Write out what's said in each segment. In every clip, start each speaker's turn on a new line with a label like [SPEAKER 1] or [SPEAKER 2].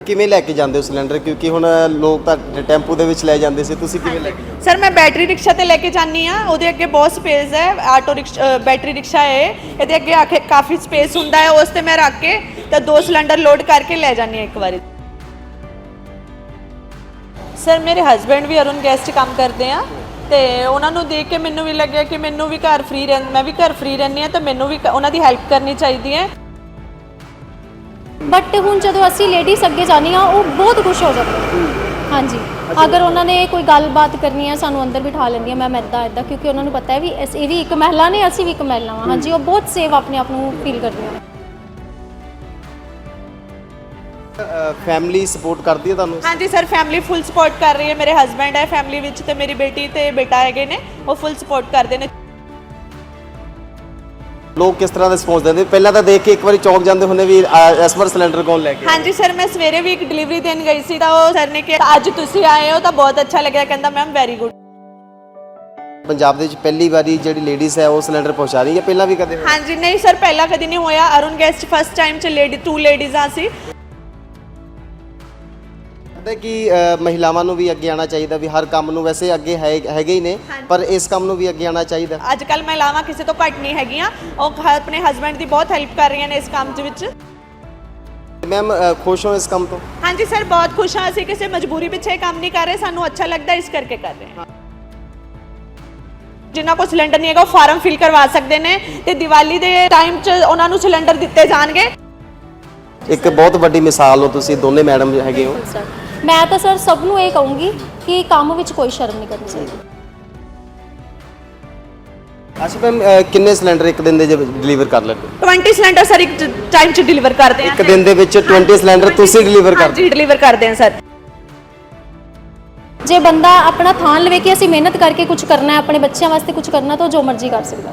[SPEAKER 1] ਕਿਵੇਂ ਲੈ ਕੇ ਜਾਂਦੇ ਹੋ ਸਿਲੰਡਰ क्योंकि ਹੁਣ ਲੋਕ ਤਾਂ ਟੈਂਪੂ ਦੇ ਵਿੱਚ ਲੈ ਜਾਂਦੇ ਸੀ ਤੁਸੀਂ ਕਿਵੇਂ ਲੈ ਕੇ ਜਾਂਦੇ
[SPEAKER 2] ਸਰ ਮੈਂ ਬੈਟਰੀ ਰਿਕਸ਼ਾ ਤੇ ਲੈ ਕੇ ਜਾਂਦੀ ਆ ਉਹਦੇ ਅੱਗੇ ਬਹੁਤ ਸਪੇਸ ਹੈ ਆਟੋ ਰਿਕਸ਼ਾ ਬੈਟਰੀ ਰਿਕਸ਼ਾ ਹੈ ਇਹਦੇ ਅੱਗੇ ਆਖੇ ਕਾਫੀ ਸਪੇਸ ਹੁੰਦਾ ਹੈ ਉਸ ਤੇ ਮੈਂ ਰੱਖ ਕੇ ਤੇ 2 ਸਿਲੰਡਰ ਲੋਡ ਕਰਕੇ ਲੈ ਜਾਂਦੀ ਆ ਇੱਕ ਵਾਰੀ ਸਰ ਮੇਰੇ ਹਸਬੈਂਡ ਵੀ ਅਰੁਣ ਗੈਸ 'ਚ ਕੰਮ ਕਰਦੇ ਆ ਤੇ ਉਹਨਾਂ ਨੂੰ ਦੇਖ ਕੇ ਮੈਨੂੰ ਵੀ ਲੱਗਿਆ ਕਿ ਮੈਨੂੰ ਵੀ ਘਰ ਫ੍ਰੀ ਮੈਂ ਵੀ ਘਰ ਫ੍ਰੀ ਰਹਿੰਦੀ ਆ ਤਾਂ ਮੈਨੂੰ ਵੀ ਉਹਨਾਂ ਦੀ ਹੈਲਪ ਕਰਨੀ ਚਾਹੀਦੀ ਹੈ
[SPEAKER 3] बट हुण जदों असीं लेडीज़ अगे जाने वो बहुत खुश हो जाते हैं हाँ जी अगर उन्होंने कोई गलबात करनी है सानू अंदर बिठा लैंदी मैम इदा इदा क्योंकि उन्होंने पता है भी ये भी एक महिला ने असीं भी एक महिला हाँ जी वो बहुत सेफ अपने आप को फील करती हैं
[SPEAKER 1] फैमिली सपोर्ट करती है तुहानू
[SPEAKER 2] हाँ जी सर फैमिली फुल सपोर्ट कर रही है मेरे हसबैंड है फैमिली विच ते मेरी बेटी ते बेटा हैगे ने वो फुल सपोर्ट करते हैं
[SPEAKER 1] लोग किस तरह का रिस्पॉन्स देंगे पहला तो देख के एक बार चौंक जाते होंगे भी इस बार सिलेंडर कौन लेके
[SPEAKER 2] हाँ जी सर मैं सवेरे भी एक डिलीवरी देन गई सी तो सर ने कहा अज तुसी आए हो तो बहुत अच्छा लगे कहता मैम वेरी गुड
[SPEAKER 1] पंजाब ਦੇ ਵਿੱਚ ਪਹਿਲੀ ਵਾਰੀ ਜਿਹੜੀ ਲੇਡੀਜ਼ ਹੈ ਉਹ ਸਿਲੰਡਰ ਪਹੁੰਚਾ ਰਹੀ ਹੈ ਪਹਿਲਾਂ ਵੀ ਕਦੇ
[SPEAKER 2] हाँ जी नहीं सर पहला कभी नहीं होया अरुण गैस फर्स्ट टाइम च 2 लेडीज़ सी
[SPEAKER 1] ਪਤਾ ਕਿ ਮਹਿਲਾਵਾਂ ਨੂੰ ਵੀ ਅੱਗੇ ਆਉਣਾ ਚਾਹੀਦਾ ਵੀ ਹਰ ਕੰਮ ਨੂੰ ਵੈਸੇ ਅੱਗੇ ਹੈਗੇ ਹੀ ਨੇ ਪਰ ਇਸ ਕੰਮ ਨੂੰ ਵੀ ਅੱਗੇ ਆਉਣਾ ਚਾਹੀਦਾ
[SPEAKER 2] ਅੱਜ ਕੱਲ ਮਹਿਲਾਵਾਂ ਕਿਸੇ ਤੋਂ ਘੱਟ ਨਹੀਂ ਹੈਗੀਆਂ ਉਹ ਆਪਣੇ ਹਸਬੈਂਡ ਦੀ ਬਹੁਤ ਹੈਲਪ ਕਰ ਰਹੀਆਂ ਨੇ ਇਸ ਕੰਮ ਦੇ ਵਿੱਚ
[SPEAKER 1] ਮੈਮ ਖੁਸ਼ ਹੋ ਇਸ ਕੰਮ ਤੋਂ
[SPEAKER 2] ਹਾਂਜੀ ਸਰ ਬਹੁਤ ਖੁਸ਼ ਹਾਂ ਅਸੀਂ ਕਿਸੇ ਮਜਬੂਰੀ ਪਿੱਛੇ ਕੰਮ ਨਹੀਂ ਕਰ ਰਹੇ ਸਾਨੂੰ ਅੱਛਾ ਲੱਗਦਾ ਇਸ ਕਰਕੇ ਕਰ ਰਹੇ ਹਾਂ ਜਿਨ੍ਹਾਂ ਕੋਲ ਸਿਲੰਡਰ ਨਹੀਂ ਹੈਗਾ ਉਹ ਫਾਰਮ ਫਿਲ ਕਰਵਾ ਸਕਦੇ ਨੇ ਤੇ ਦੀਵਾਲੀ ਦੇ ਟਾਈਮ 'ਚ ਉਹਨਾਂ ਨੂੰ ਸਿਲੰਡਰ ਦਿੱਤੇ ਜਾਣਗੇ
[SPEAKER 1] ਇੱਕ ਬਹੁਤ ਵੱਡੀ ਮਿਸਾਲ ਹੋ ਤੁਸੀਂ ਦੋਨੇ ਮੈਡਮ ਹੈਗੇ ਹੋ
[SPEAKER 3] मैं तो सर सब नूं ये कहूँगी कि काम विच कोई शर्म नहीं करनी चाहिए
[SPEAKER 1] अच्छा मैम किन्ने सिलेंडर एक दिन ਦੇ ਡਿਲੀਵਰ ਕਰ ਲੈਂਦੇ
[SPEAKER 2] 20 ਸਿਲੰਡਰ ਸਰ ਇੱਕ ਟਾਈਮ 'ਚ ਡਿਲੀਵਰ ਕਰਦੇ ਆ
[SPEAKER 1] ਇੱਕ ਦਿਨ ਦੇ ਵਿੱਚ 20 ਸਿਲੰਡਰ ਤੁਸੀਂ ਡਿਲੀਵਰ ਕਰਦੇ
[SPEAKER 2] ਹਾਂਜੀ ਡਿਲੀਵਰ ਕਰਦੇ ਆ ਸਰ
[SPEAKER 3] जे बंदा अपना थान लवे कि असीं मेहनत करके कुछ करना है अपने बच्चों वास्ते कुछ करना तो जो मर्जी कर सकदा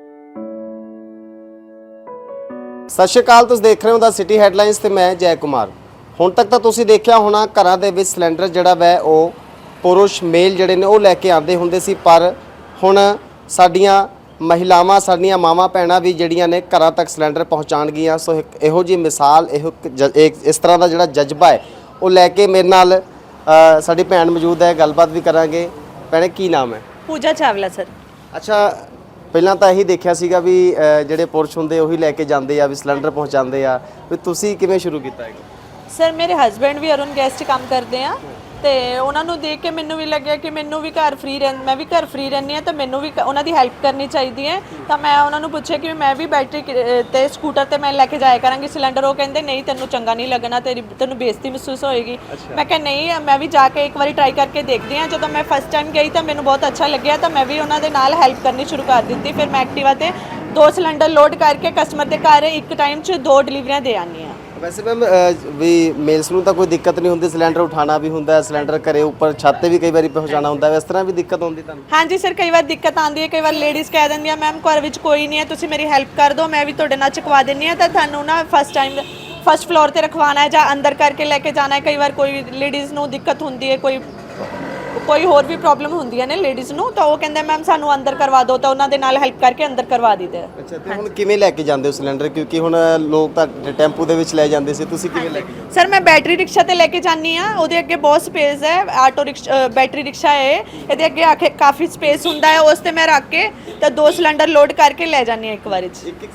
[SPEAKER 1] ਸਤਿ ਸ਼੍ਰੀ ਅਕਾਲ ਤੁਸੀਂ ਦੇਖ ਰਹੇ ਹੋ ਦਾ ਸਿਟੀ ਹੈਡਲਾਈਨਸ ਤੇ ਮੈਂ ਜੈ ਕੁਮਾਰ ਹੁਣ ਤੱਕ ਤਾਂ ਤੁਸੀਂ ਦੇਖਿਆ ਹੋਣਾ ਘਰਾਂ ਦੇ ਵਿੱਚ ਸਿਲੰਡਰ ਜਿਹੜਾ ਵੈ ਉਹ ਪੁਰਸ਼ ਮੇਲ ਜਿਹੜੇ ਨੇ ਉਹ ਲੈ ਕੇ ਆਉਂਦੇ ਹੁੰਦੇ ਸੀ ਪਰ ਹੁਣ ਸਾਡੀਆਂ ਮਹਿਲਾਵਾਂ ਸਾਡੀਆਂ ਮਾਵਾਂ ਭੈਣਾਂ ਵੀ ਜਿਹੜੀਆਂ ਨੇ ਘਰਾਂ ਤੱਕ ਸਿਲੰਡਰ ਪਹੁੰਚਾਉਣ ਗਈਆਂ ਸੋ ਇਹੋ ਜਿਹੀ ਮਿਸਾਲ ਇਸ ਤਰ੍ਹਾਂ ਦਾ ਜਿਹੜਾ ਜਜ਼ਬਾ ਹੈ ਉਹ ਲੈ ਕੇ ਮੇਰੇ ਨਾਲ ਸਾਡੀ ਭੈਣ ਮੌਜੂਦ ਹੈ ਗੱਲਬਾਤ ਵੀ ਕਰਾਂਗੇ ਭੈਣੇ ਕੀ ਨਾਮ ਹੈ
[SPEAKER 2] ਪੂਜਾ ਚਾਵਲਾ ਸਰ
[SPEAKER 1] ਅੱਛਾ ਪਹਿਲਾਂ ਤਾਂ ਇਹੀ ਦੇਖਿਆ ਸੀਗਾ ਵੀ ਜਿਹੜੇ ਪੁਰਸ਼ ਹੁੰਦੇ ਉਹੀ ਲੈ ਕੇ ਜਾਂਦੇ ਆ ਵੀ ਸਿਲੰਡਰ ਪਹੁੰਚਾਉਂਦੇ ਆ ਵੀ ਤੁਸੀਂ ਕਿਵੇਂ ਸ਼ੁਰੂ ਕੀਤਾ ਹੈ
[SPEAKER 2] ਸਰ ਮੇਰੇ ਹਸਬੈਂਡ ਵੀ ਅਰੁਣ ਗੈਸ 'ਚ ਕੰਮ ਕਰਦੇ ਆ ਤੇ ਉਹਨਾਂ ਨੂੰ ਦੇਖ ਕੇ ਮੈਨੂੰ ਵੀ ਲੱਗਿਆ ਕਿ ਮੈਨੂੰ ਵੀ ਘਰ ਫ੍ਰੀ ਮੈਂ ਵੀ ਘਰ ਫ੍ਰੀ ਰਹਿੰਦੀ ਆ ਤਾਂ ਮੈਨੂੰ ਵੀ ਉਹਨਾਂ ਦੀ ਹੈਲਪ ਕਰਨੀ ਚਾਹੀਦੀ ਹੈ ਤਾਂ ਮੈਂ ਉਹਨਾਂ ਨੂੰ ਪੁੱਛਿਆ ਕਿ ਮੈਂ ਵੀ ਬੈਟਰੀ ਤੇ ਸਕੂਟਰ ਤੇ ਮੈਂ ਲੈ ਕੇ ਜਾਇਆ ਕਰਾਂਗੀ ਸਿਲੰਡਰ ਉਹ ਕਹਿੰਦੇ ਨਹੀਂ ਤੈਨੂੰ ਚੰਗਾ ਨਹੀਂ ਲੱਗਣਾ ਤੈਨੂੰ ਬੇਇੱਜ਼ਤੀ ਮਹਿਸੂਸ ਹੋਏਗੀ ਮੈਂ ਕਿਹਾ ਨਹੀਂ ਮੈਂ ਵੀ ਜਾ ਕੇ ਇੱਕ ਵਾਰੀ ਟਰਾਈ ਕਰਕੇ ਦੇਖਦੀ ਆ ਜਦੋਂ ਮੈਂ ਫਸਟ ਟਾਈਮ ਗਈ ਤਾਂ ਮੈਨੂੰ ਬਹੁਤ ਅੱਛਾ ਲੱਗਿਆ ਤਾਂ ਮੈਂ ਵੀ ਉਹਨਾਂ ਦੇ ਨਾਲ ਹੈਲਪ ਕਰਨੀ ਸ਼ੁਰੂ ਕਰ ਦਿੱਤੀ ਫਿਰ ਮੈਂ ਐਕਟਿਵਾ ਤੇ 2 ਸਿਲੰਡਰ ਲੋਡ ਕਰਕੇ ਕਸਟਮਰ ਦੇ ਘਰ ਇੱਕ ਟਾਈਮ 'ਚ 2 ਡਿਲੀਵਰੀਆਂ ਦੇ ਆਉਂਦੀ ਆ
[SPEAKER 1] ਵੈਸੇ ਮੈਮ ਵੀ ਮੇਲਸ ਨੂੰ ਤਾਂ ਕੋਈ ਦਿੱਕਤ ਨਹੀਂ ਹੁੰਦੀ ਸਿਲੰਡਰ ਉਠਾਉਣਾ ਵੀ ਹੁੰਦਾ ਸਿਲੰਡਰ ਘਰੇ ਉੱਪਰ ਛੱਤ ਤੇ ਵੀ ਕਈ ਵਾਰੀ ਪਹੁੰਚਾਉਣਾ ਹੁੰਦਾ ਇਸ ਤਰ੍ਹਾਂ ਵੀ ਦਿੱਕਤ ਆਉਂਦੀ ਤੁਹਾਨੂੰ
[SPEAKER 2] ਹਾਂਜੀ ਸਰ ਕਈ ਵਾਰ ਦਿੱਕਤ ਆਉਂਦੀ ਹੈ ਕਈ ਵਾਰ ਲੇਡੀਜ਼ ਕਹਿ ਦਿੰਦੀਆਂ ਮੈਮ ਘਰ ਵਿੱਚ ਕੋਈ ਨਹੀਂ ਹੈ ਤੁਸੀਂ ਮੇਰੀ ਹੈਲਪ ਕਰ ਦਿਓ ਮੈਂ ਵੀ ਤੁਹਾਡੇ ਨਾਲ ਚੁਕਵਾ ਦਿੰਦੀ ਹਾਂ ਤਾਂ ਤੁਹਾਨੂੰ ਨਾ ਫਸਟ ਫਲੋਰ ਤੇ ਰਖਵਾਉਣਾ ਹੈ ਜਾਂ ਅੰਦਰ ਕਰਕੇ ਲੈ ਕੇ ਜਾਣਾ ਹੈ ਕਈ ਵਾਰ ਕੋਈ ਲੇਡੀਜ਼ ਨੂੰ ਦਿੱਕਤ ਹੁੰਦੀ ਹੈ ਕੋਈ ਹੋਰ ਵੀ ਪ੍ਰੋਬਲਮ ਹੁੰਦੀਆਂ ਨੇ ਲੇਡੀਜ਼ ਨੂੰ ਤਾਂ ਉਹ ਕਹਿੰਦੇ ਮੈਮ ਸਾਨੂੰ ਅੰਦਰ ਕਰਵਾ ਦਿਓ ਤਾਂ ਉਹਨਾਂ ਦੇ ਨਾਲ ਹੈਲਪ ਕਰਕੇ ਅੰਦਰ ਕਰਵਾ ਦਿੰਦੇ ਆ
[SPEAKER 1] ਅੱਛਾ ਤੇ ਹੁਣ ਕਿਵੇਂ ਲੈ ਕੇ ਜਾਂਦੇ ਹੋ ਸਿਲੰਡਰ ਕਿਉਂਕਿ ਹੁਣ ਲੋਕ ਤਾਂ ਟੈਂਪੂ ਦੇ ਵਿੱਚ ਲੈ ਜਾਂਦੇ ਸੀ ਤੁਸੀਂ ਕਿਵੇਂ ਲੈ ਕੇ ਜਾਂਦੇ
[SPEAKER 2] ਸਰ ਮੈਂ ਬੈਟਰੀ ਰਿਕਸ਼ਾ ਤੇ ਲੈ ਕੇ ਜਾਂਦੀ ਆ ਉਹਦੇ ਅੱਗੇ ਬਹੁਤ ਸਪੇਸ ਹੈ ਆਟੋ ਰਿਕਸ਼ਾ ਬੈਟਰੀ ਰਿਕਸ਼ਾ ਹੈ ਇਹਦੇ ਅੱਗੇ ਆਖੇ ਕਾਫੀ ਸਪੇਸ ਹੁੰਦਾ ਹੈ ਉਸ ਤੇ ਮੈਂ ਰੱਖ ਕੇ ਤਾਂ 2 ਸਿਲੰਡਰ ਲੋਡ ਕਰਕੇ ਲੈ ਜਾਂਦੀ ਆ ਇੱਕ ਵਾਰੀ 'ਚ
[SPEAKER 1] ਇੱਕ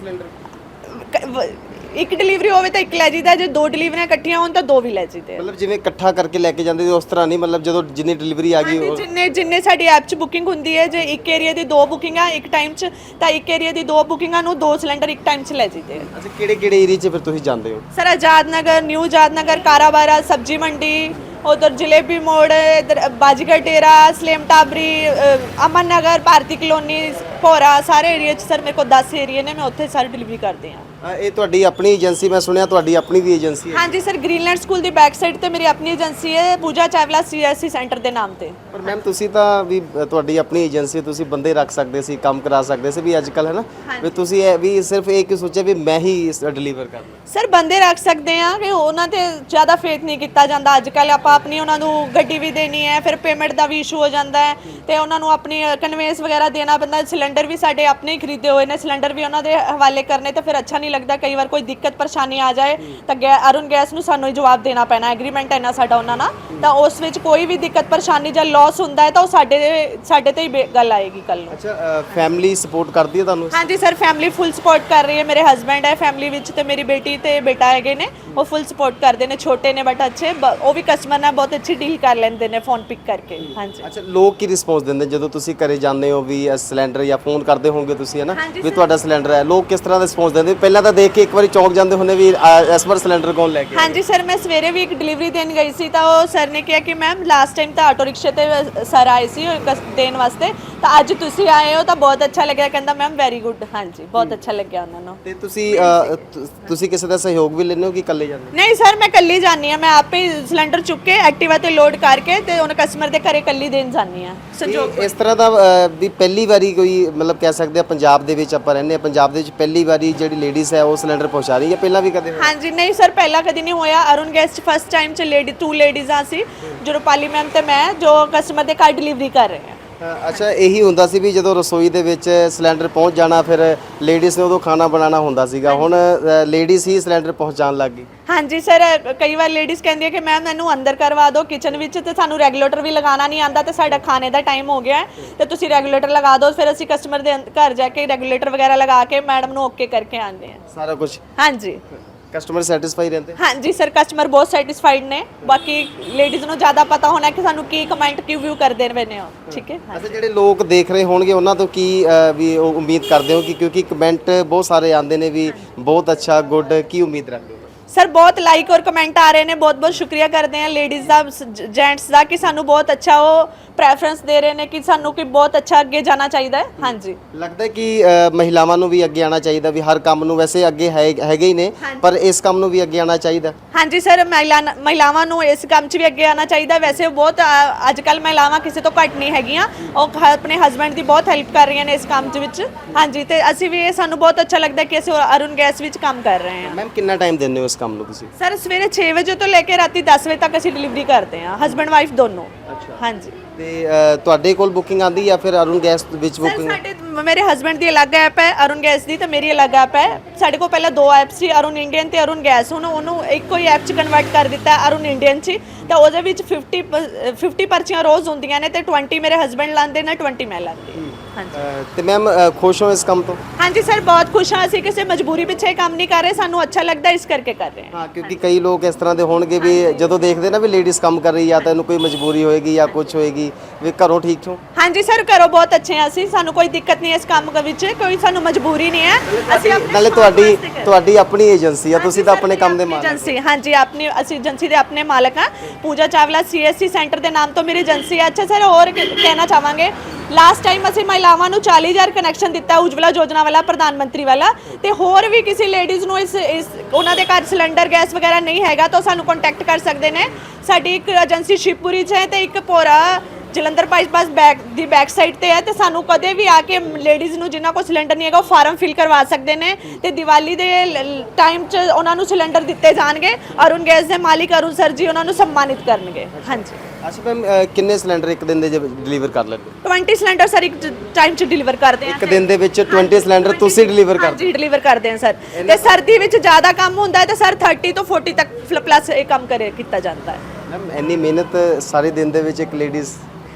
[SPEAKER 1] ਸਿਲੰਡਰ
[SPEAKER 2] ਇੱਕ ਡਿਲੀਵਰੀ ਹੋਵੇ ਤਾਂ ਇੱਕ ਲੈ ਜੀਦਾ ਜੇ 2 ਡਿਲੀਵਰੀਆਂ ਇਕੱਠੀਆਂ ਹੋਣ ਤਾਂ 2 ਵੀ ਲੈ ਜੀਦੇ
[SPEAKER 1] ਮਤਲਬ ਜਿਵੇਂ ਇਕੱਠਾ ਕਰਕੇ ਲੈ ਕੇ ਜਾਂਦੇ ਉਸ ਤਰ੍ਹਾਂ ਨਹੀਂ ਮਤਲਬ ਜਦੋਂ ਜਿੰਨੀ ਡਿਲੀਵਰੀ ਆ ਗਈ
[SPEAKER 2] ਜਿੰਨੇ ਸਾਡੀ ਐਪ 'ਚ ਬੁਕਿੰਗ ਹੁੰਦੀ ਹੈ ਜੇ ਇੱਕ ਏਰੀਆ ਦੀ 2 ਬੁਕਿੰਗਾਂ ਇੱਕ ਟਾਈਮ 'ਚ ਤਾਂ ਇੱਕ ਏਰੀਆ ਦੀ 2 ਬੁਕਿੰਗਾਂ ਨੂੰ 2 ਸਿਲੰਡਰ ਇੱਕ ਟਾਈਮ 'ਚ ਲੈ ਜੀਦੇ
[SPEAKER 1] ਅੱਛਾ ਕਿਹੜੇ ਏਰੀਆ 'ਚ ਫਿਰ ਤੁਸੀਂ ਜਾਂਦੇ ਹੋ
[SPEAKER 2] ਸਰ ਆਜ਼ਾਦ ਨਗਰ ਨਿਊ ਆਜ਼ਾਦ ਨਗਰ ਕਾਰਾਬਾਰਾ ਸਬਜੀ ਮੰਡੀ उधर जलेबी मोड़ इधर बाजीगर डेरा सलेम टाबरी अमन नगर भारती कलोनी भोरा सारे एरिया सर मेरे को 10 एरिया ने मैं उत्थे सारी डिलीवरी करते हैं
[SPEAKER 1] ਇਹ ਤੁਹਾਡੀ ਆਪਣੀ ਏਜੰਸੀ ਮੈਂ ਸੁਣਿਆ ਤੁਹਾਡੀ ਆਪਣੀ ਵੀ ਏਜੰਸੀ ਹੈ
[SPEAKER 2] ਹਾਂਜੀ ਸਰ ਗ੍ਰੀਨਲੈਂਡ ਸਕੂਲ ਦੀ ਬੈਕ ਸਾਈਡ ਤੇ ਮੇਰੀ ਆਪਣੀ ਏਜੰਸੀ ਹੈ ਪੂਜਾ ਚਾਵਲਾ ਸੀਐਸਸੀ ਸੈਂਟਰ ਦੇ ਨਾਮ ਤੇ
[SPEAKER 1] ਪਰ ਮੈਮ ਤੁਸੀਂ ਤਾਂ ਵੀ ਤੁਹਾਡੀ ਆਪਣੀ ਏਜੰਸੀ ਤੁਸੀਂ ਬੰਦੇ ਰੱਖ ਸਕਦੇ ਸੀ ਕੰਮ ਕਰਾ ਸਕਦੇ ਸੀ ਵੀ ਅੱਜ ਕੱਲ ਹੈ ਨਾ ਵੀ ਤੁਸੀਂ ਇਹ ਵੀ ਸਿਰਫ ਇਹ ਕਿ ਸੋਚਿਆ ਵੀ ਮੈਂ ਹੀ ਡਿਲੀਵਰ ਕਰਨਾ
[SPEAKER 2] ਸਰ ਬੰਦੇ ਰੱਖ ਸਕਦੇ ਆ ਕਿ ਉਹਨਾਂ ਤੇ ਜ਼ਿਆਦਾ ਫੇਥ ਨਹੀਂ ਕੀਤਾ ਜਾਂਦਾ ਅੱਜ ਕੱਲ ਆਪਾਂ ਆਪਣੀ ਉਹਨਾਂ ਨੂੰ ਗੱਡੀ ਵੀ ਦੇਣੀ ਹੈ ਫਿਰ ਪੇਮੈਂਟ ਦਾ ਵੀ ਇਸ਼ੂ ਹੋ ਜਾਂਦਾ ਹੈ ਤੇ ਉਹਨਾਂ ਨੂੰ ਆਪਣੀ ਕਨਵੇਂਸ ਵਗੈਰਾ ਦੇਣਾ ਪੈਂਦਾ ਸਿਲੰਡਰ ਵੀ ਸਾਡੇ ਆਪਣੇ ਹੀ ਖਰੀਦੇ ਹੋਏ ਨੇ ਸਿਲੰਡਰ ਵੀ ਉਹਨਾਂ ਦੇ ਹਵਾਲੇ ਕਰਨੇ ਤਾਂ ਫਿਰ ਅੱਛਾ ਨਹੀਂ ਲੱਗਦਾ ਕਈ ਵਾਰ ਕੋਈ ਦਿੱਕਤ ਪਰੇਸ਼ਾਨੀ ਆ ਜਾਏ ਤਾਂ ਅਰੁਣ ਗੈਸ ਨੂੰ ਸਾਨੂੰ ਹੀ ਜਵਾਬ ਦੇਣਾ ਪੈਣਾ, ਐਗਰੀਮੈਂਟ ਹੈ ਨਾ ਸਾਡਾ ਉਹਨਾਂ ਨਾਲ, ਤਾਂ ਉਸ ਵਿੱਚ ਕੋਈ ਵੀ ਦਿੱਕਤ ਪਰੇਸ਼ਾਨੀ ਜਾਂ ਲਾਸ ਹੁੰਦਾ ਹੈ ਤਾਂ ਉਹ ਸਾਡੇ ਤੇ ਹੀ ਗੱਲ ਆਏਗੀ ਕੱਲ ਨੂੰ।
[SPEAKER 1] ਅੱਛਾ, ਫੈਮਿਲੀ ਸਪੋਰਟ ਕਰਦੀ ਹੈ ਤੁਹਾਨੂੰ?
[SPEAKER 2] ਹਾਂਜੀ ਸਰ, ਫੈਮਿਲੀ ਫੁੱਲ ਸਪੋਰਟ ਕਰ ਰਹੀ ਹੈ। ਮੇਰੇ ਹਸਬੈਂਡ ਹੈ ਫੈਮਿਲੀ ਵਿੱਚ ਤੇ ਮੇਰੀ ਬੇਟੀ ਤੇ ਬੇਟਾ ਹੈਗੇ ਨੇ, ਉਹ ਫੁੱਲ ਸਪੋਰਟ ਕਰਦੇ ਨੇ, ਛੋਟੇ ਨੇ ਬਟ ਅੱਛੇ, ਉਹ ਵੀ ਕਸਟਮਰ ਨਾਲ ਬਹੁਤ ਅੱਛੀ ਡੀਲ ਕਰ ਲੈਂਦੇ ਨੇ ਫੋਨ ਪਿਕ ਕਰਕੇ। ਹਾਂਜੀ।
[SPEAKER 1] ਅੱਛਾ, ਲੋਕ ਕੀ ਰਿਸਪੌਂਸ ਦਿੰਦੇ ਜਦੋਂ ਤੁਸੀਂ ਘਰੇ ਜਾਂਦੇ ਹੋ ਵੀ ਸਿਲੰਡਰ ਜਾਂ ਫੋਨ ਕਰਦੇ ਹੋਵੋਗੇ ਤੁਸੀਂ ਹੈ ਨਾ ਵੀ ਤੁਹਾਡਾ ਸਿਲੰਡਰ ਹੈ, ਲੋਕ ਕਿਸ ਤਰ੍ਹਾਂ ਦਾ ਰਿਸਪੌਂਸ ਦਿੰਦੇ? ਪਹਿਲਾਂ ਤਾਂ ਦੇਖ ਕੇ ਇੱਕ ਵਾਰੀ ਚੌਂਕ ਜਾਂਦੇ ਹੁੰਦੇ ਵੀ ਇਸ ਵਾਰ ਸਿਲੰਡਰ ਕੌਣ ਲੈ ਕੇ?
[SPEAKER 2] ਹਾਂਜੀ ਸਰ, ਮੈਂ ਸਵੇਰੇ ਵੀ ਇੱਕ ਡਿਲੀਵਰੀ ਦੇਣ ਗਈ ਸੀ ਤਾਂ ਉਹ ਸਰ ਨੇ ਕਿਹਾ ਕਿ ਮੈਮ ਲਾਸਟ ਟਾਈਮ ਤਾਂ ਆਟੋ ਰਿਕਸ਼ੇ ਤੇ ਸਰ ਆਏ ਸੀ ਦੇਣ ਵਾਸਤੇ, ਤਾਂ ਅੱਜ ਤੁਸੀਂ ਆਏ ਹੋ ਤਾਂ ਬਹੁਤ ਅੱਛਾ ਲੱਗਿਆ। ਕਹਿੰਦਾ ਮੈਮ ਵੈਰੀ ਗੁੱਡ। ਹਾਂਜੀ, ਬਹੁਤ ਅੱਛਾ ਲੱਗਿਆ ਉਹਨਾਂ ਨੂੰ।
[SPEAKER 1] ਤੇ ਤੁਸੀਂ ਕਿਸੇ ਦਾ ਸਹਿਯੋਗ ਵੀ ਲੈਂਦੇ ਹੋ ਕਿ ਇਕੱਲੇ ਜਾਂਦੇ ਹੋ?
[SPEAKER 2] ਨਹੀਂ ਸਰ, ਮੈਂ ਇਕੱਲੀ ਜਾਂਦੀ ਹਾਂ। ਮੈਂ ਆਪੇ ਸਿਲੰਡਰ ਚੁੱਕ ਕੇ ਐਕਟਿਵਾ ਤੇ ਲੋਡ ਕਰਕੇ ਤੇ ਉਹਨਾਂ ਕਸਟਮਰ ਦੇ ਘਰੇ ਇਕੱਲੀ ਦੇਣ ਜਾਂਦੀ ਹਾਂ। ਸੰਜੋਗ
[SPEAKER 1] ਇਸ ਤਰ੍ਹਾਂ ਦਾ ਵੀ ਪਹਿਲੀ ਵਾਰੀ ਕੋਈ ਮਤਲਬ ਕਹਿ ਸਕਦੇ ਆ ਪੰਜਾਬ ਦੇ ਵਿੱਚ ਆਪਾਂ ਰਹਿੰਦੇ ਆ, ਪੰਜਾਬ ਦੇ ਵਿੱਚ ਪਹਿਲੀ ਵਾਰੀ ਜਿਹੜੀ ਲੇਡੀਜ਼ ਹੈ ਉਹ ਸਿਲੰਡਰ ਪਹੁੰਚਾ ਰਹੀ ਹੈ, ਪਹਿਲਾਂ ਵੀ ਕਦੇ ਹੋਇਆ?
[SPEAKER 2] ਹਾਂਜੀ ਨਹੀਂ ਸਰ, ਪਹਿਲਾਂ ਕਦੀ ਨਹੀਂ ਹੋਇਆ। ਅਰੁਣ ਗੈਸ ਫਸਟ ਟਾਈਮ ਚ ਟੂ ਲੇਡੀਜ਼ਾਂ ਸੀ, ਜੋ ਰੂਪਾਲੀ ਮੈਮ ਤੇ ਮੈਂ, ਜੋ ਕਸਟਮਰ ਦੇ ਘਰ ਡਿਲੀਵਰੀ ਕਰ ਰਹੇ ਹਾਂ।
[SPEAKER 1] ਅੱਛਾ, ਇਹੀ ਹੁੰਦਾ ਸੀ ਵੀ ਜਦੋਂ ਰਸੋਈ ਦੇ ਵਿੱਚ ਸਿਲੰਡਰ ਪਹੁੰਚ ਜਾਣਾ ਫਿਰ ਲੇਡੀਜ਼ ਨੇ ਉਦੋਂ ਖਾਣਾ ਬਣਾਉਣਾ ਹੁੰਦਾ ਸੀਗਾ, ਹੁਣ ਲੇਡੀਜ਼ ਹੀ ਸਿਲੰਡਰ ਪਹੁੰਚਾਉਣ ਲੱਗ ਗਈ।
[SPEAKER 2] ਹਾਂਜੀ ਸਰ, ਕਈ ਵਾਰ ਲੇਡੀਜ਼ ਕਹਿੰਦੀ ਹੈ ਕਿ ਮੈਮ ਮੈਨੂੰ ਅੰਦਰ ਕਰਵਾ ਦਿਓ ਕਿਚਨ ਵਿੱਚ, ਤੇ ਸਾਨੂੰ ਰੈਗੂਲੇਟਰ ਵੀ ਲਗਾਉਣਾ ਨਹੀਂ ਆਉਂਦਾ ਤੇ ਸਾਡਾ ਖਾਣੇ ਦਾ ਟਾਈਮ ਹੋ ਗਿਆ ਤੇ ਤੁਸੀਂ ਰੈਗੂਲੇਟਰ ਲਗਾ ਦਿਓ। ਫਿਰ ਅਸੀਂ ਕਸਟਮਰ ਦੇ ਘਰ ਜਾ ਕੇ ਰੈਗੂਲੇਟਰ ਵਗੈਰਾ ਲਗਾ ਕੇ ਮੈਡਮ ਨੂੰ ਓਕੇ ਕਰਕੇ ਆਉਂਦੇ ਹਾਂ
[SPEAKER 1] ਸਾਰਾ ਕੁਝ।
[SPEAKER 2] ਹਾਂਜੀ,
[SPEAKER 1] ਕਸਟਮਰ ਸੈਟੀਸਫਾਈ ਰਹਿੰਦੇ?
[SPEAKER 2] ਹਾਂਜੀ ਸਰ, ਕਸਟਮਰ ਬਹੁਤ ਸੈਟੀਸਫਾਈਡ ਨੇ। ਬਾਕੀ ਲੇਡੀਜ਼ ਨੂੰ ਜ਼ਿਆਦਾ ਪਤਾ ਹੋਣਾ ਕਿ ਸਾਨੂੰ ਕੀ ਕਮੈਂਟ ਕੀ ਵਿਊ ਕਰਦੇ ਨੇ ਉਹ। ਠੀਕ ਹੈ।
[SPEAKER 1] ਅੱਛਾ, ਜਿਹੜੇ ਲੋਕ ਦੇਖ ਰਹੇ ਹੋਣਗੇ ਉਹਨਾਂ ਤੋਂ ਕੀ ਵੀ ਉਹ ਉਮੀਦ ਕਰਦੇ ਹੋ ਕਿ ਕਿਉਂਕਿ ਕਮੈਂਟ ਬਹੁਤ ਸਾਰੇ ਆਉਂਦੇ ਨੇ ਵੀ ਬਹੁਤ ਅੱਛਾ, ਗੁੱਡ, ਕੀ ਉਮੀਦ ਰੱਖਦੇ ਹੋ?
[SPEAKER 2] ਸਰ ਬਹੁਤ ਲਾਈਕ ਔਰ ਕਮੈਂਟ ਆ ਰਹੇ ਨੇ, ਬਹੁਤ ਬਹੁਤ ਸ਼ੁਕਰੀਆ ਕਰਦੇ ਹਾਂ ਲੇਡੀਜ਼ ਦਾ, ਜੈਂਟਸ ਦਾ, ਕਿ ਸਾਨੂੰ ਬਹੁਤ ਅੱਛਾ ਉਹ ਪ੍ਰੈਫਰੈਂਸ ਦੇ ਰਹੇ ਨੇ ਕਿ ਸਾਨੂੰ ਕਿ ਬਹੁਤ ਅੱਛਾ ਅੱਗੇ ਜਾਣਾ ਚਾਹੀਦਾ ਹੈ। ਹਾਂਜੀ,
[SPEAKER 1] ਲੱਗਦਾ ਕਿ ਮਹਿਲਾਵਾਂ ਨੂੰ ਵੀ ਅੱਗੇ ਆਉਣਾ ਚਾਹੀਦਾ ਵੀ ਹਰ ਕੰਮ ਨੂੰ, ਵੈਸੇ ਅੱਗੇ ਹੈਗੇ ਹੀ ਨੇ ਪਰ ਇਸ ਕੰਮ ਨੂੰ ਵੀ ਅੱਗੇ ਆਉਣਾ ਚਾਹੀਦਾ?
[SPEAKER 2] ਹਾਂਜੀ ਸਰ, ਮਹਿਲਾਵਾਂ ਨੂੰ ਇਸ ਕੰਮ 'ਚ ਵੀ ਅੱਗੇ ਆਉਣਾ ਚਾਹੀਦਾ। ਵੈਸੇ ਬਹੁਤ ਅੱਜ ਕੱਲ੍ਹ ਮਹਿਲਾਵਾਂ ਕਿਸੇ ਤੋਂ ਘੱਟ ਨਹੀਂ ਹੈਗੀਆਂ, ਉਹ ਆਪਣੇ ਹਸਬੈਂਡ ਦੀ ਬਹੁਤ ਹੈਲਪ ਕਰ ਰਹੀਆਂ ਨੇ ਇਸ ਕੰਮ 'ਚ ਵਿੱਚ। ਹਾਂਜੀ, ਤੇ ਅਸੀਂ ਵੀ, ਇਹ ਸਾਨੂੰ ਬਹੁਤ ਅੱਛਾ ਲੱਗਦਾ ਕਿ ਅਸੀਂ ਅਰੁਣ ਗੈਸ ਵਿੱਚ ਕੰਮ ਕਰ ਰਹੇ ਹਾਂ।
[SPEAKER 1] ਮੈਮ ਕਿੰਨਾ ਟਾਈਮ ਦਿੰਦੇ ਹੋ ਇਸ ਕੰਮ ਨੂੰ ਤੁਸੀਂ?
[SPEAKER 2] ਸਰ ਸਵੇਰੇ 6 ਵਜੇ ਤੋਂ ਲੈ ਕੇ ਰਾਤੀ 10 ਵਜੇ ਤੱਕ ਅਸੀਂ ਡਿਲੀਵਰੀ ਕਰਦੇ ਹਾਂ, ਹਸਬੈਂਡ ਵਾਈਫ ਦੋਨੋਂ। ਹਾਂਜੀ।
[SPEAKER 1] ਤੇ ਤੁਹਾਡੇ ਕੋਲ ਬੁਕਿੰਗ ਆਂਦੀ ਜਾਂ ਫਿਰ ਅਰੁਣ ਗੈਸ ਵਿੱਚ
[SPEAKER 2] ਸਰ
[SPEAKER 1] ਬੁਕਿੰਗ?
[SPEAKER 2] ਸਾਡੇ ਮੇਰੇ ਹਸਬੈਂਡ ਦੀ ਅਲੱਗ ਐਪ ਹੈ ਅਰੁਣ ਗੈਸ ਦੀ, ਤੇ ਮੇਰੀ ਅਲੱਗ ਐਪ ਹੈ। ਸਾਡੇ ਕੋਲ ਪਹਿਲਾਂ ਦੋ ਐਪ ਸੀ, ਅਰੁਣ ਇੰਡੀਅਨ ਤੇ ਅਰੁਣ ਗੈਸ। ਹੁਣ ਉਹਨੂੰ ਇੱਕੋ ਹੀ ਐਪ 'ਚ ਕਨਵਰਟ ਕਰ ਦਿੱਤਾ ਅਰੁਣ ਇੰਡੀਅਨ 'ਚ, ਤਾਂ ਉਹਦੇ ਵਿੱਚ 50 ਪਰਚੀਆਂ ਰੋਜ਼ ਹੁੰਦੀਆਂ ਨੇ ਤੇ 20 ਮੇਰੇ ਹਸਬੈਂਡ ਲਾਉਂਦੇ ਨੇ, 20 ਮੈਂ ਲਾਉਂਦੀ ਹਾਂ। ਹਾਂਜੀ।
[SPEAKER 1] ਤੇ ਮੈਮ ਖੁਸ਼ ਹੋ ਇਸ ਕੰਮ ਤੋਂ?
[SPEAKER 2] ਹਾਂਜੀ ਸਰ, ਬਹੁਤ ਖੁਸ਼ ਹਾਂ। ਅਸੀਂ ਕਿਸੇ ਮਜਬੂਰੀ ਪਿੱਛੇ ਕੰਮ ਨਹੀਂ ਕਰ ਰਹੇ, ਸਾਨੂੰ ਅੱਛਾ ਲੱਗਦਾ ਇਸ ਕਰਕੇ ਕਰ ਰਹੇ ਹਾਂ।
[SPEAKER 1] ਹਾਂ, ਕਿਉਂਕਿ ਕਈ ਲੋਕ ਇਸ ਤਰ੍ਹਾਂ ਦੇ ਹੋਣਗੇ ਵੀ ਜਦੋਂ ਦੇਖਦੇ ਨਾ ਵੀ ਲੇਡੀਜ਼ ਕੰਮ ਕਰ ਰਹੀ, ਜਾਂ ਤਾਂ ਇਹਨੂੰ ਕੋਈ ਮਜਬੂਰੀ ਹੋਏਗੀ ਜਾਂ ਕੁਝ ਹੋਏਗੀ, ਵੀ ਘਰੋਂ ਠੀਕ ਹੋ?
[SPEAKER 2] ਹਾਂਜੀ ਸਰ, ਘਰੋਂ ਬਹੁਤ ਅੱਛੇ ਹਾਂ ਅਸੀਂ, ਸਾਨੂੰ ਕੋਈ ਦਿੱਕਤ ਨਹੀਂ ਇਸ ਕੰਮ ਵਿੱਚ, ਕੋਈ ਸਾਨੂੰ ਮਜਬੂਰੀ ਨਹੀਂ ਹੈ। ਅਸੀਂ
[SPEAKER 1] ਨਾਲੇ ਤੁਹਾਡੀ ਆਪਣੀ ਏਜੰਸੀ ਆ, ਤੁਸੀਂ ਤਾਂ ਆਪਣੇ ਕੰਮ ਦੇ ਮਾਲਕ?
[SPEAKER 2] ਏਜੰਸੀ, ਹਾਂਜੀ ਆਪਣੀ, ਅਸੀਂ ਏਜੰਸੀ ਦੇ ਆਪਣੇ ਮਾਲਕ ਹਾਂ। ਪੂਜਾ ਚਾਵਲਾ CSC ਸੈਂਟਰ ਦੇ ਨਾਮ ਤੋਂ ਮੇਰੀ ਏਜੰਸੀ ਹੈ। ਅੱਛਾ ਸਰ, ਹੋਰ ਕਹਿਣਾ ਚਾਹਾਂਗੇ, ਲਾਸਟ ਟਾਈਮ ਅਸੀਂ ਮਹਿਲਾਵਾਂ ਨੂੰ 40,000 ਕਨੈਕਸ਼ਨ ਦਿੱਤਾ ਉਜਵਲਾ ਯੋਜਨਾ ਵਾਲਾ, ਪ੍ਰਧਾਨ ਮੰਤਰੀ ਵਾਲਾ, ਤੇ ਹੋਰ ਵੀ ਕਿਸੇ ਲੇਡੀਜ਼ ਨੂੰ ਇਸ ਉਹਨਾਂ ਦੇ ਘਰ ਸਿਲੰਡਰ ਗੈਸ ਵਗੈਰਾ ਨਹੀਂ ਹੈਗਾ ਤਾਂ ਸਾਨੂੰ ਕੰਟੈਕਟ ਕਰ ਸਕਦੇ ਨੇ। ਸਾਡੀ ਇੱਕ ਏਜੰਸੀ ਸ਼ਿਵਪੁਰੀ 'ਚ ਹੈ ਤੇ ਇੱਕ ਭੋਰਾ ਜਲੰਧਰ ਬਾਈਪਾਸ ਦੀ ਬੈਕ ਸਾਈਡ ਤੇ ਹੈ, ਤੇ ਸਾਨੂੰ ਕਦੇ ਵੀ ਆ ਕੇ ਲੇਡੀਜ਼ ਨੂੰ ਜਿਨ੍ਹਾਂ ਕੋਲ ਸਿਲੰਡਰ ਨਹੀਂ ਹੈਗਾ ਉਹ ਫਾਰਮ ਫਿਲ ਕਰਵਾ ਸਕਦੇ ਨੇ, ਤੇ ਦੀਵਾਲੀ ਦੇ ਟਾਈਮ 'ਚ ਉਹਨਾਂ ਨੂੰ ਸਿਲੰਡਰ ਦਿੱਤੇ ਜਾਣਗੇ। ਅਰੁਣ ਗੈਸ ਦੇ ਮਾਲਿਕ ਅਰੁਣ ਸਰ ਜੀ ਉਹਨਾਂ ਨੂੰ ਸਨਮਾਨਿਤ ਕਰਨਗੇ। ਹਾਂਜੀ।
[SPEAKER 1] ਅੱਛਾ ਮੈਮ, ਕਿੰਨੇ ਸਿਲੰਡਰ ਇੱਕ ਦਿਨ ਦੇ ਡਿਲੀਵਰ ਕਰ ਲੈਂਦੇ?
[SPEAKER 2] 20 ਸਿਲੰਡਰ ਸਰ ਇੱਕ ਟਾਈਮ 'ਚ ਡਿਲੀਵਰ ਕਰਦੇ ਹਾਂ।
[SPEAKER 1] ਇੱਕ ਦਿਨ ਦੇ ਵਿੱਚ 20 ਸਿਲੰਡਰ ਤੁਸੀਂ ਡਿਲੀਵਰ ਕਰਦੇ?
[SPEAKER 2] ਹਾਂਜੀ, ਡਿਲੀਵਰ ਕਰਦੇ ਹਾਂ ਸਰ। ਤੇ ਸਰਦੀ ਵਿੱਚ ਜ਼ਿਆਦਾ ਕੰਮ ਹੁੰਦਾ ਹੈ ਤਾਂ ਸਰ 30 ਤੋਂ 40 ਤੱਕ ਪਲੱਸ ਇਹ ਕੰਮ ਕੀਤਾ ਜਾਂਦਾ ਹੈ।
[SPEAKER 1] ਮੈਮ ਇੰਨੀ ਮਿਹਨਤ ਸਾਰੇ ਦਿਨ ਦੇ ਵਿੱਚ ਇੱਕ ਲੇਡੀਜ਼?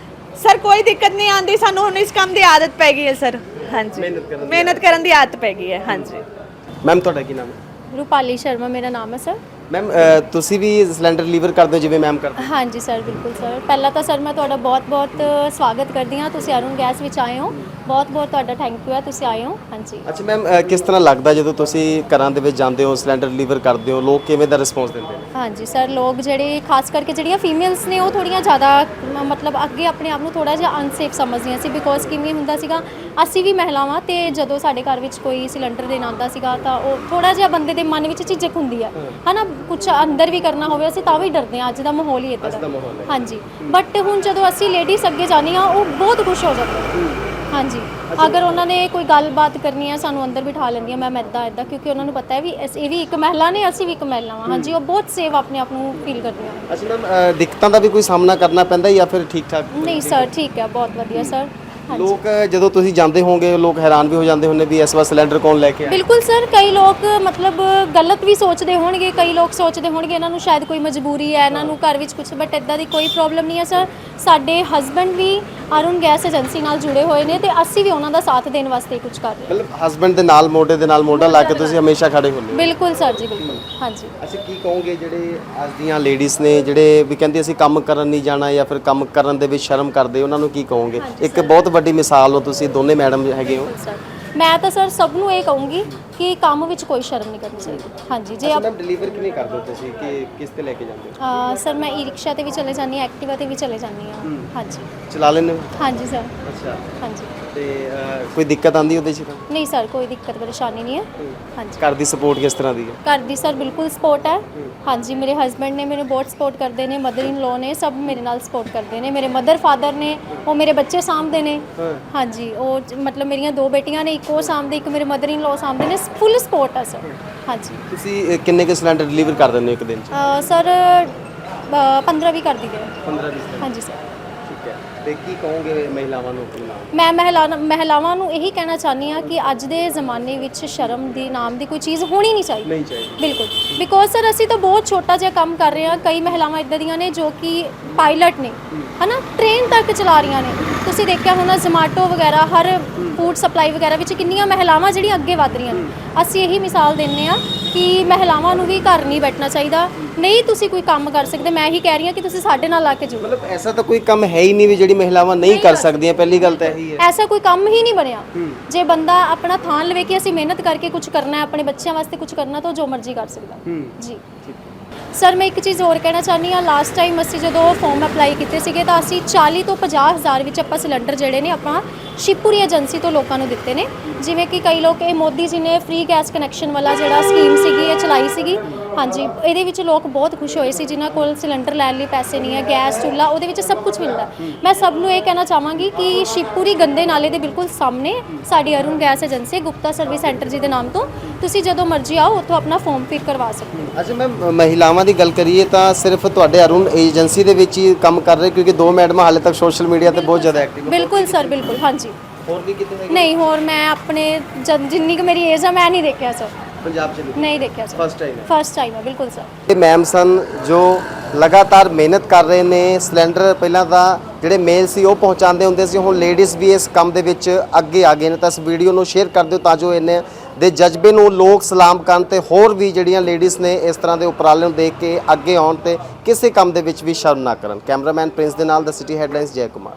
[SPEAKER 2] ਸਰ ਕੋਈ ਦਿੱਕਤ ਨਹੀਂ ਆਉਂਦੀ, ਸਾਨੂੰ ਹੁਣ ਇਸ ਕੰਮ ਦੀ ਆਦਤ ਪੈ ਗਈ ਹੈ ਸਰ। ਹਾਂਜੀ, ਮਿਹਨਤ ਕਰਨ ਦੀ ਆਦਤ ਪੈ ਗਈ ਹੈ। ਹਾਂਜੀ।
[SPEAKER 1] ਮੈਮ ਤੁਹਾਡਾ ਕੀ ਨਾਮ ਹੈ?
[SPEAKER 3] ਰੂਪਾਲੀ ਸ਼ਰਮਾ ਮੇਰਾ ਨਾਮ ਹੈ ਸਰ।
[SPEAKER 1] ਮੈਮ ਤੁਸੀਂ ਵੀ ਸਿਲੰਡਰ ਡਿਲੀਵਰ ਕਰਦੇ ਹੋ ਜਿਵੇਂ ਮੈਮ ਕਰਦੇ?
[SPEAKER 3] ਹਾਂਜੀ ਸਰ, ਬਿਲਕੁਲ ਸਰ। ਪਹਿਲਾਂ ਤਾਂ ਸਰ ਮੈਂ ਤੁਹਾਡਾ ਬਹੁਤ-ਬਹੁਤ ਸਵਾਗਤ ਕਰਦੀ ਹਾਂ, ਤੁਸੀਂ ਅਰੁਣ ਗੈਸ ਵਿੱਚ ਆਏ ਹੋ, ਬਹੁਤ-ਬਹੁਤ ਤੁਹਾਡਾ ਥੈਂਕ ਯੂ ਹੈ, ਤੁਸੀਂ ਆਏ ਹੋ। ਹਾਂਜੀ।
[SPEAKER 1] ਅੱਛਾ ਮੈਮ, ਕਿਸ ਤਰ੍ਹਾਂ ਲੱਗਦਾ ਜਦੋਂ ਤੁਸੀਂ ਘਰਾਂ ਦੇ ਵਿੱਚ ਜਾਂਦੇ ਹੋ, ਸਿਲੰਡਰ ਡਿਲੀਵਰ ਕਰਦੇ ਹੋ, ਲੋਕ ਕਿਵੇਂ ਦਾ ਰਿਸਪੌਂਸ ਦਿੰਦੇ ਨੇ?
[SPEAKER 3] ਹਾਂਜੀ ਸਰ, ਲੋਕ ਜਿਹੜੇ ਖਾਸ ਕਰਕੇ ਜਿਹੜੀਆਂ ਫੀਮੇਲਸ ਨੇ ਉਹ ਥੋੜ੍ਹੀਆਂ ਜ਼ਿਆਦਾ ਮਤਲਬ ਅੱਗੇ ਆਪਣੇ ਆਪ ਨੂੰ ਥੋੜ੍ਹਾ ਜਿਹਾ ਅਨਸੇਫ ਸਮਝਦੀਆਂ ਸੀ, ਬਿਕੋਜ਼ ਕਿਵੇਂ ਹੁੰਦਾ ਸੀਗਾ, ਅਸੀਂ ਵੀ ਮਹਿਲਾਵਾਂ ਤੇ ਜਦੋਂ ਸਾਡੇ ਘਰ ਵਿੱਚ ਕੋਈ ਸਿਲੰਡਰ ਦੇਣ ਆਉਂਦਾ ਸੀਗਾ ਤਾਂ ਉਹ ਥੋੜ੍ਹਾ ਜਿਹਾ ਬੰਦੇ ਦੇ ਮਨ ਵਿੱਚ ਝਿਜਕ ਹੁੰਦੀ ਹੈ ਨਾ, ਕੁਝ ਅੰਦਰ ਵੀ ਕਰਨਾ ਹੋਵੇ ਅਸੀਂ ਤਾਂ ਵੀ ਡਰਦੇ ਹਾਂ। ਅੱਜ ਦਾ ਮਾਹੌਲ ਹੀ ਇੱਦਾਂ ਦਾ। ਹਾਂਜੀ, ਬਟ ਹੁਣ ਜਦੋਂ ਅਸੀਂ ਲੇਡੀਜ਼ ਅੱਗੇ ਜਾਂਦੀਆਂ ਉਹ ਬਹੁਤ ਖੁਸ਼ ਹੋ ਜਾਂਦੇ। ਹਾਂਜੀ, ਅਗਰ ਉਹਨਾਂ ਨੇ ਕੋਈ ਗੱਲਬਾਤ ਕਰਨੀ ਹੈ ਸਾਨੂੰ ਅੰਦਰ ਬਿਠਾ ਲੈਂਦੀਆਂ, ਮੈਮ ਇੱਦਾਂ, ਕਿਉਂਕਿ ਉਹਨਾਂ ਨੂੰ ਪਤਾ ਹੈ ਵੀ ਇਹ ਵੀ ਇੱਕ ਮਹਿਲਾ ਨੇ, ਅਸੀਂ ਵੀ ਇੱਕ ਮਹਿਲਾ ਹਾਂ। ਹਾਂਜੀ, ਉਹ ਬਹੁਤ ਸੇਫ ਆਪਣੇ ਆਪ ਨੂੰ ਫੀਲ ਕਰਦੀਆਂ।
[SPEAKER 1] ਅੱਛਾ ਮੈਮ, ਦਿੱਕਤਾਂ ਦਾ ਵੀ ਕੋਈ ਸਾਹਮਣਾ ਕਰਨਾ ਪੈਂਦਾ ਜਾਂ ਫਿਰ ਠੀਕ ਠਾਕ?
[SPEAKER 3] ਨਹੀਂ ਸਰ, ਠੀਕ ਹੈ, ਬਹੁਤ ਵਧੀਆ ਸਰ।
[SPEAKER 1] ਲੋਕ ਜਦੋਂ ਤੁਸੀਂ ਜਾਂਦੇ ਹੋਵੋਗੇ ਲੋਕ ਹੈਰਾਨ ਵੀ ਹੋ ਜਾਂਦੇ ਹੁੰਦੇ ਵੀ ਇਸ ਵਾਰ ਸਿਲੰਡਰ ਕੌਣ ਲੈ ਕੇ ਆਇਆ।
[SPEAKER 3] ਬਿਲਕੁਲ ਸਰ, ਕਈ ਲੋਕ ਮਤਲਬ ਗਲਤ ਵੀ ਸੋਚਦੇ ਹੋਣਗੇ, ਕਈ ਲੋਕ ਸੋਚਦੇ ਹੋਣਗੇ ਇਹਨਾਂ ਨੂੰ ਸ਼ਾਇਦ ਕੋਈ ਮਜਬੂਰੀ ਹੈ, ਇਹਨਾਂ ਨੂੰ ਘਰ ਵਿੱਚ ਕੁਝ, ਬਟ ਇਦਾਂ ਦੀ ਕੋਈ ਪ੍ਰੋਬਲਮ ਨਹੀਂ ਹੈ ਸਰ। ਸਾਡੇ ਹਸਬੰਡ ਵੀ ਅਰੁਣ ਗੈਸ ਏਜੰਸੀ ਨਾਲ ਜੁੜੇ ਹੋਏ ਨੇ ਤੇ ਅਸੀਂ ਵੀ ਉਹਨਾਂ ਦਾ ਸਾਥ ਦੇਣ ਵਾਸਤੇ ਕੁਝ ਕਰ ਰਹੇ ਹਾਂ।
[SPEAKER 1] ਮਤਲਬ ਹਸਬੰਡ ਦੇ ਨਾਲ ਮੋਢੇ ਦੇ ਨਾਲ ਮੋਢਾ ਲਾ ਕੇ ਤੁਸੀਂ ਹਮੇਸ਼ਾ ਖੜੇ ਹੁੰਦੇ ਹੋ।
[SPEAKER 3] ਬਿਲਕੁਲ ਸਰ ਜੀ, ਬਿਲਕੁਲ। ਹਾਂਜੀ।
[SPEAKER 1] ਅੱਛਾ, ਕੀ ਕਹੋਗੇ ਜਿਹੜੇ ਅੱਜ ਦੀਆਂ ਲੇਡੀਜ਼ ਨੇ ਜਿਹੜੇ ਵੀ ਕਹਿੰਦੇ ਅਸੀਂ ਕੰਮ ਕਰਨ ਨਹੀਂ ਜਾਣਾ ਜਾਂ ਫਿਰ ਕੰਮ ਕਰਨ ਦੇ ਵਿੱਚ ਸ਼ਰਮ ਕਰਦੇ, ਉਹਨਾਂ ਨੂੰ ਕੀ ਕਹੋਗੇ? ਇੱਕ ਬਹੁਤ ਵੱਡੀ ਮਿਸਾਲ ਹੋ ਤੁਸੀਂ, ਦੋਨੇ ਮੈਡਮ ਹੈਗੇ ਹੋ।
[SPEAKER 3] ਬਿਲਕੁਲ ਸਰ, ਮੈਂ ਤਾਂ ਸਰ ਸਭ ਨੂੰ ਇਹ ਕਹੂੰਗੀ ਕਿ ਕੰਮ ਵਿੱਚ ਕੋਈ ਸ਼ਰਮ ਨਹੀਂ ਕਰਨੀ ਚਾਹੀਦੀ। ਹਾਂਜੀ, ਜੇ
[SPEAKER 1] ਮੈਮ ਡਿਲੀਵਰ ਕਿਵੇਂ ਕਰਦੇ ਹੋ ਤੁਸੀਂ, ਕਿ ਕਿਸ ਤੇ ਲੈ ਕੇ ਜਾਂਦੇ ਹੋ?
[SPEAKER 3] ਸਰ ਮੈਂ ਈ ਰਿਕਸ਼ਾ ਤੇ ਵੀ ਚਲੇ ਜਾਂਦੀ ਹਾਂ, ਐਕਟਿਵਾ ਤੇ ਵੀ ਚਲੇ ਜਾਂਦੀ ਹਾਂ। ਹਾਂਜੀ।
[SPEAKER 1] ਚਲਾ ਲੈਂਦੇ ਹੋ?
[SPEAKER 3] ਹਾਂਜੀ ਸਰ।
[SPEAKER 1] ਅੱਛਾ,
[SPEAKER 3] ਹਾਂਜੀ।
[SPEAKER 1] ਤੇ ਕੋਈ ਦਿੱਕਤ ਆਉਂਦੀ ਉਹਦੇ 'ਚ ਤਾਂ?
[SPEAKER 3] ਨਹੀਂ ਸਰ, ਕੋਈ ਦਿੱਕਤ ਪਰੇਸ਼ਾਨੀ ਨਹੀਂ ਹੈ। ਹਾਂਜੀ।
[SPEAKER 1] ਘਰ ਦੀ ਸਪੋਰਟ ਕਿਸ ਤਰ੍ਹਾਂ ਦੀ ਹੈ?
[SPEAKER 3] ਘਰ ਦੀ ਸਰ ਬਿਲਕੁਲ ਸਪੋਰਟ ਹੈ। ਹਾਂਜੀ, ਮੇਰੇ ਹਸਬੰਡ ਨੇ ਮੈਨੂੰ ਬਹੁਤ ਸਪੋਰਟ ਕਰਦੇ ਨੇ, ਮਦਰ ਇਨ ਲੋ ਨੇ, ਸਭ ਮੇਰੇ ਨਾਲ ਸਪੋਰਟ ਕਰਦੇ ਨੇ। ਮੇਰੇ ਮਦਰ ਫਾਦਰ ਨੇ, ਉਹ ਮੇਰੇ ਬੱਚੇ ਸਾਂਭਦੇ ਨੇ। ਹਾਂਜੀ, ਉਹ ਮਤਲਬ ਮੇਰੀਆਂ 2 ਬੇਟੀਆਂ ਨੇ, ਇੱਕ ਉਹ ਸਾਂਭਦੇ, ਇੱਕ ਮੇਰੇ ਮਦਰ ਇਨ ਲੋ ਸਾਂਭਦੇ ਨੇ। ਫੁੱਲ ਸਪੋਰਟ ਹੈ ਸਰ। ਹਾਂਜੀ।
[SPEAKER 1] ਤੁਸੀਂ ਕਿੰਨੇ ਕੁ ਸਿਲੰਡਰ ਡਿਲੀਵਰ ਕਰ ਦਿੰਦੇ ਹੋ ਇੱਕ ਦਿਨ 'ਚ?
[SPEAKER 3] ਸਰ 15-20 ਕਰ ਦਿੰਦੇ ਆ।
[SPEAKER 1] 15-20?
[SPEAKER 3] ਹਾਂਜੀ ਸਰ।
[SPEAKER 1] ਠੀਕ ਹੈ, ਤੇ ਕੀ ਕਹੋਗੇ ਮਹਿਲਾਵਾਂ ਨੂੰ ਆਪਣੇ ਨਾਲ?
[SPEAKER 3] ਮੈਂ ਮਹਿਲਾਵਾਂ ਨੂੰ ਇਹੀ ਕਹਿਣਾ ਚਾਹੁੰਦੀ ਹਾਂ ਕਿ ਅੱਜ ਦੇ ਜ਼ਮਾਨੇ ਵਿੱਚ ਸ਼ਰਮ ਦੀ ਨਾਮ ਦੀ ਕੋਈ ਚੀਜ਼ ਹੋਣੀ ਨਹੀਂ ਚਾਹੀਦੀ।
[SPEAKER 1] ਨਹੀਂ ਚਾਹੀਦੀ।
[SPEAKER 3] ਬਿਲਕੁਲ, ਬਿਕੋਜ਼ ਸਰ ਅਸੀਂ ਤਾਂ ਬਹੁਤ ਛੋਟਾ ਜਿਹਾ ਕੰਮ ਕਰ ਰਹੇ ਹਾਂ। ਕਈ ਮਹਿਲਾਵਾਂ ਇੱਦਾਂ ਦੀਆਂ ਨੇ ਜੋ ਕਿ ਪਾਇਲਟ ਨੇ, ਹਨਾ, ਟ੍ਰੇਨ ਤੱਕ ਚਲਾ ਰਹੀਆਂ ਨੇ। ਤੁਸੀਂ ਦੇਖਿਆ ਹੋਣਾ ਜ਼ੋਮੈਟੋ ਵਗੈਰਾ, ਹਰ ਫੂਡ ਸਪਲਾਈ ਵਗੈਰਾ ਵਿੱਚ ਕਿੰਨੀਆਂ ਮਹਿਲਾਵਾਂ ਜਿਹੜੀਆਂ ਅੱਗੇ ਵਧ ਰਹੀਆਂ ਨੇ। ਅਸੀਂ ਇਹੀ ਮਿਸਾਲ ਦਿੰਦੇ ਹਾਂ ਕਿ ਮਹਿਲਾਵਾਂ ਨੂੰ ਵੀ ਘਰ ਨਹੀਂ ਬੈਠਣਾ ਚਾਹੀਦਾ। ਨਹੀਂ ਤੁਸੀਂ ਕੋਈ ਕੰਮ ਕਰ ਸਕਦੇ, ਮੈਂ ਇਹੀ ਕਹਿ ਰਹੀ ਹਾਂ ਕਿ ਤੁਸੀਂ ਸਾਡੇ ਨਾਲ ਆ ਕੇ ਜੁੜੋ।
[SPEAKER 1] ਮਤਲਬ ਐਸਾ ਤਾਂ ਕੋਈ ਕੰਮ ਹੈ ਹੀ ਨਹੀਂ ਵੀ ਜਿਹੜੀ ਮਹਿਲਾਵਾਂ ਨਹੀਂ ਕਰ ਸਕਦੀਆਂ, ਪਹਿਲੀ ਗੱਲ ਤਾਂ ਇਹੀ ਹੈ।
[SPEAKER 3] ਐਸਾ ਕੋਈ ਕੰਮ ਹੀ ਨਹੀਂ ਬਣਿਆ। ਜੇ ਬੰਦਾ ਆਪਣਾ ਥਾਂ ਲਵੇ ਕਿ ਅਸੀਂ ਮਿਹਨਤ ਕਰਕੇ ਕੁਝ ਕਰਨਾ ਹੈ, ਆਪਣੇ ਬੱਚਿਆਂ ਵਾਸਤੇ ਕੁਝ ਕਰਨਾ, ਤਾਂ ਉਹ ਜੋ ਮਰਜ਼ੀ ਕਰ ਸਕਦਾ। ਜੀ ਸਰ, ਮੈਂ ਇੱਕ ਚੀਜ਼ ਹੋਰ ਕਹਿਣਾ ਚਾਹੁੰਦੀ ਹਾਂ। ਲਾਸਟ ਟਾਈਮ ਅਸੀਂ ਜਦੋਂ ਫਾਰਮ ਅਪਲਾਈ ਕੀਤੇ ਸੀਗੇ ਤਾਂ ਅਸੀਂ 40 ਤੋਂ 50 ਹਜ਼ਾਰ ਵਿੱਚ ਆਪਾਂ ਸਿਲੰਡਰ ਜਿਹੜੇ ਨੇ ਆਪਾਂ ਸ਼ਿਵਪੁਰੀ ਏਜੰਸੀ ਤੋਂ ਲੋਕਾਂ ਨੂੰ ਦਿੱਤੇ ਨੇ। ਜਿਵੇਂ ਕਿ ਕਈ ਲੋਕ, ਇਹ ਮੋਦੀ ਜੀ ਨੇ ਫ੍ਰੀ ਗੈਸ ਕਨੈਕਸ਼ਨ ਵਾਲਾ ਜਿਹੜਾ ਸਕੀਮ ਸੀਗੀ ਇਹ ਚਲਾਈ ਸੀਗੀ। ਹਾਂਜੀ, ਇਹਦੇ ਵਿੱਚ ਲੋਕ ਬਹੁਤ ਖੁਸ਼ ਹੋਏ ਸੀ ਜਿਨ੍ਹਾਂ ਕੋਲ ਸਿਲੰਡਰ ਲੈਣ ਲਈ ਪੈਸੇ ਨਹੀਂ ਹੈ, ਗੈਸ ਚੁੱਲ੍ਹਾ, ਉਹਦੇ ਵਿੱਚ ਸਭ ਕੁਝ ਮਿਲਦਾ। ਮੈਂ ਸਭ ਨੂੰ ਇਹ ਕਹਿਣਾ ਚਾਹਾਂਗੀ ਕਿ ਸ਼ਿਵਪੁਰੀ ਗੰਦੇ ਨਾਲੇ ਦੇ ਬਿਲਕੁਲ ਸਾਹਮਣੇ ਸਾਡੀ Arun gas agency, Gupta service centre ji ਦੇ ਨਾਮ ਤੋਂ, ਤੁਸੀਂ ਜਦੋਂ ਮਰਜ਼ੀ ਆਓ ਉੱਥੋਂ ਆਪਣਾ ਫਾਰਮ ਫਿਲ ਕਰਵਾ ਸਕਦੇ ਹੋ।
[SPEAKER 1] ਅੱਛਾ ਮੈਮ, ਮਹਿਲਾਵਾਂ ਦੀ ਗੱਲ ਕਰੀਏ ਤਾਂ ਸਿਰਫ ਤੁਹਾਡੇ ਅਰੁਣ ਏਜੰਸੀ ਦੇ ਵਿੱਚ ਹੀ ਕੰਮ ਕਰ ਰਹੇ, ਕਿਉਂਕਿ 2 ਮੈਡਮਾਂ ਹਾਲੇ ਤੱਕ ਸੋਸ਼ਲ ਮੀਡੀਆ ਤੇ ਬਹੁਤ ਜ਼ਿਆਦਾ ਐਕਟਿਵ?
[SPEAKER 3] ਬਿਲਕੁਲ ਸਰ, ਬਿਲਕੁਲ। ਹਾਂਜੀ।
[SPEAKER 1] ਹੋਰ ਵੀ ਕਿਤੇ ਹੈਗੇ?
[SPEAKER 3] ਨਹੀਂ, ਹੋਰ ਮੈਂ ਆਪਣੇ ਜਿੰਨੀ ਕੁ ਮੇਰੀ ਏਜ ਆ ਮੈਂ ਨਹੀਂ ਦੇਖਿਆ ਸਰ।
[SPEAKER 1] ਪੰਜਾਬ 'ਚ
[SPEAKER 3] ਨਹੀਂ ਦੇਖਿਆ ਸਰ।
[SPEAKER 1] ਫਸਟ ਟਾਈਮ ਹੈ?
[SPEAKER 3] ਫਸਟ ਟਾਈਮ ਹੈ, ਬਿਲਕੁਲ ਸਰ।
[SPEAKER 1] ਇਹ ਮੈਮ ਸਨ ਜੋ ਲਗਾਤਾਰ ਮਿਹਨਤ ਕਰ ਰਹੇ ਨੇ। ਸਿਲੰਡਰ ਪਹਿਲਾਂ ਤਾਂ ਜਿਹੜੇ ਮੇਲ ਸੀ ਉਹ ਪਹੁੰਚਾਉਂਦੇ ਹੁੰਦੇ ਸੀ, ਹੁਣ ਲੇਡੀਜ਼ ਵੀ ਇਸ ਕੰਮ ਦੇ ਵਿੱਚ ਅੱਗੇ ਆ ਗਏ ਨੇ। ਤਾਂ ਇਸ ਵੀਡੀਓ ਨੂੰ ਸ਼ੇਅਰ ਕਰ ਦਿਓ ਤਾਂ ਜੋ ਇਹਨੇ ਦੇ ਜਜ਼ਬੇ ਨੂੰ ਲੋਕ ਸਲਾਮ ਕਰਨ ਤੇ ਹੋਰ ਵੀ ਜਿਹੜੀਆਂ ਲੇਡੀਜ਼ ਨੇ ਇਸ ਤਰ੍ਹਾਂ ਦੇ ਉਪਰਾਲੇ ਨੂੰ ਦੇਖ ਕੇ ਅੱਗੇ ਆਉਣ ਤੇ ਕਿਸੇ ਕੰਮ ਦੇ ਵਿੱਚ ਵੀ ਸ਼ਰਮ ਨਾ ਕਰਨ। ਕੈਮਰਾਮੈਨ ਪ੍ਰਿੰਸ ਦੇ ਨਾਲ, ਦ ਸਿਟੀ ਹੈਡਲਾਈਨਸ, ਜੈ ਕੁਮਾਰ।